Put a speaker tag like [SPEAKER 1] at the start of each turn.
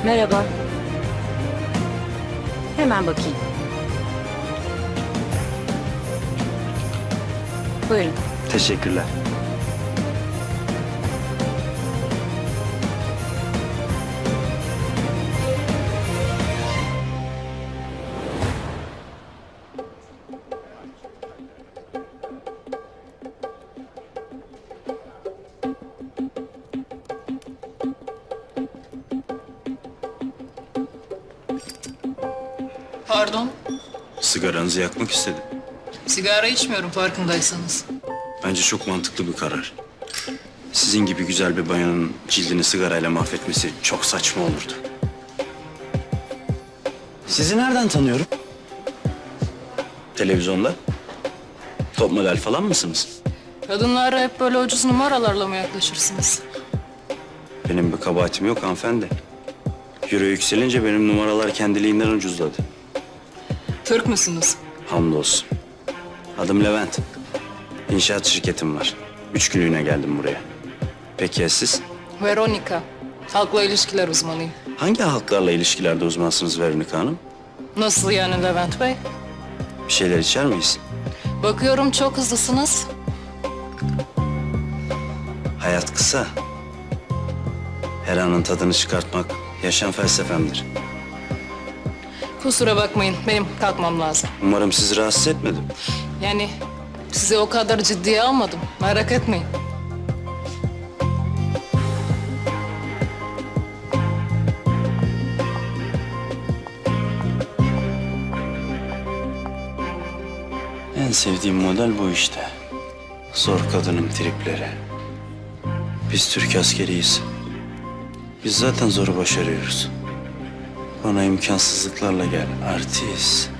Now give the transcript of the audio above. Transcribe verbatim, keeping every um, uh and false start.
[SPEAKER 1] Merhaba. Hemen bakayım. Buyurun.
[SPEAKER 2] Teşekkürler.
[SPEAKER 3] Pardon,
[SPEAKER 2] Sigaranızı yakmak istedim.
[SPEAKER 3] sigara içmiyorum farkındaysanız.
[SPEAKER 2] Bence çok mantıklı bir karar. Sizin gibi güzel bir bayanın cildini sigarayla mahvetmesi çok saçma olurdu. Sizi nereden tanıyorum? Televizyonda? Top model falan mısınız?
[SPEAKER 3] Kadınlara hep böyle ucuz numaralarla mı yaklaşırsınız?
[SPEAKER 2] Benim bir kabahatim yok hanımefendi. Euro yükselince benim numaralar kendiliğinden ucuzladı.
[SPEAKER 3] Türk müsünüz?
[SPEAKER 2] Hamdolsun. Adım Levent. İnşaat şirketim var. Üç günlüğüne geldim buraya. Peki ya siz?
[SPEAKER 3] Veronica, halkla ilişkiler uzmanıyım.
[SPEAKER 2] Hangi halklarla ilişkilerde uzmansınız Veronika Hanım?
[SPEAKER 3] Nasıl yani Levent Bey?
[SPEAKER 2] Bir şeyler içer miyiz?
[SPEAKER 3] Bakıyorum çok hızlısınız.
[SPEAKER 2] Hayat kısa. Her anın tadını çıkartmak yaşam felsefemdir.
[SPEAKER 3] Kusura bakmayın, benim kalkmam lazım.
[SPEAKER 2] Umarım sizi rahatsız etmedim.
[SPEAKER 3] Yani sizi o kadar ciddiye almadım, merak etmeyin.
[SPEAKER 2] En sevdiğim model bu işte. Zor kadının tripleri. Biz Türk askeriyiz. Biz zaten zoru başarıyoruz. Bana imkansızlıklarla gel, artist.